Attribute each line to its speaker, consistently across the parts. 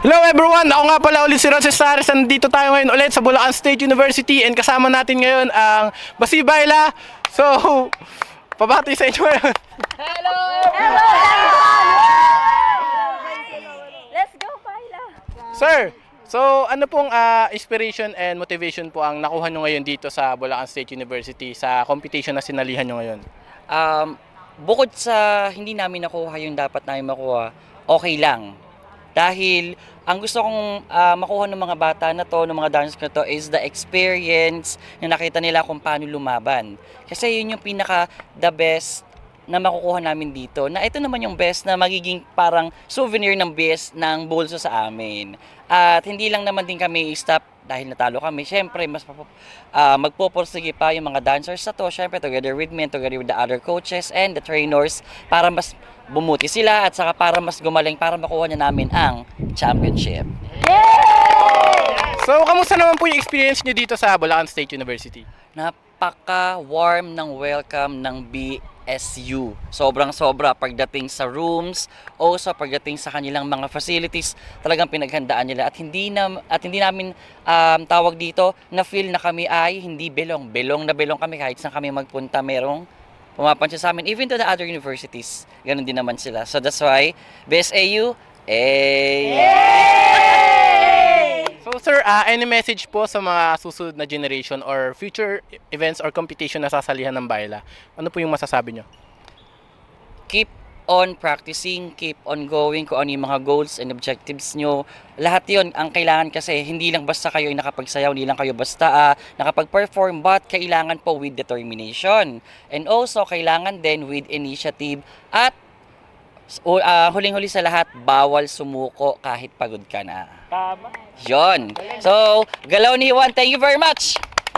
Speaker 1: Hello everyone! Ako nga pala ulit si Ron Cestares. Nandito tayo ngayon ulit sa Bulacan State University and kasama natin ngayon ang Basi Bayla. So, pabati sa inyo ngayon.
Speaker 2: Hello everyone! Let's go, Bayla!
Speaker 1: Sir, so ano pong inspiration and motivation po ang nakuha nyo ngayon dito sa Bulacan State University sa competition na sinalihan nyo ngayon?
Speaker 3: Bukod sa hindi namin nakuha yung dapat namin makuha, okay lang. Dahil ang gusto kong makuha ng mga bata na to, ng mga dancers na to, is the experience na nakita nila kung paano lumaban. Kasi yun yung pinaka the best na makukuha namin dito. Na ito naman yung best na magiging parang souvenir ng best ng bulso sa amin. At hindi lang naman din kami stop dahil natalo kami. Siyempre, mas magpupursige pa yung mga dancers na to. Siyempre, together with me, together with the other coaches and the trainers para mas bumuti sila at saka para mas gumaling para makuha na namin ang championship.
Speaker 1: So, kamusta naman po yung experience nyo dito sa Bulacan State University?
Speaker 3: Napaka-warm ng welcome ng BSU. Sobrang-sobra pagdating sa rooms, also pagdating sa kanilang mga facilities, talagang pinaghandaan nila at hindi namin tawag dito na feel na kami ay hindi belong. Belong na belong kami kahit saan kami magpunta, merong pumapansin sa amin, even to the other universities. Ganun din naman sila. So that's why BSAU,
Speaker 1: So sir, any message po sa mga susunod na generation or future events or competition na sasalihan ng Bayla? Ano po yung masasabi nyo?
Speaker 3: keep on practicing, keep on going kung ano yung mga goals and objectives nyo. Lahat yon ang kailangan kasi hindi lang basta kayo ay nakapagsayaw, hindi lang kayo basta nakapag-perform, but kailangan po with determination. And also, kailangan din with initiative at huling-huli sa lahat, bawal sumuko kahit pagod ka na.
Speaker 1: Tama.
Speaker 3: Yon. So, Galaw ni Juan, thank you very much!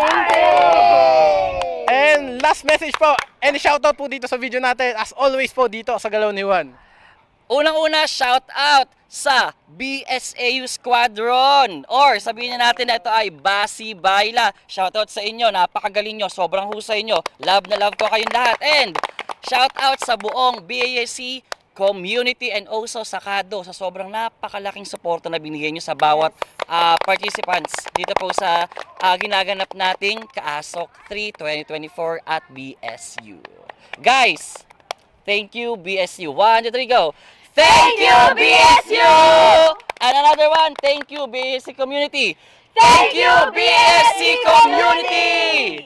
Speaker 1: And last message po, any shoutout po dito sa video natin, as always po dito sa Galaw ni Juan.
Speaker 3: Unang-una, shout out sa BSAU Squadron. Or sabihin na natin na ito ay Basi Bayla. Shout out sa inyo, napakagaling nyo, sobrang husay nyo. Love na love ko kayong lahat. And shout out sa buong BASC community and also sa KADO sa sobrang napakalaking suporta na binigay nyo sa bawat participants dito po sa ginaganap nating Kaasok 3 2024 at BSU. Guys, thank you BSU. 1, 2, 3, go! Thank you BSU! And another one, thank you BSC community. Thank you BSC community!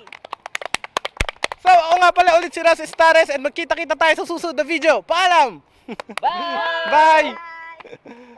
Speaker 1: So ako nga pala ulit si Ron Cestares and magkita-kita tayo sa susunod na video. Paalam!
Speaker 3: Bye!
Speaker 1: Bye!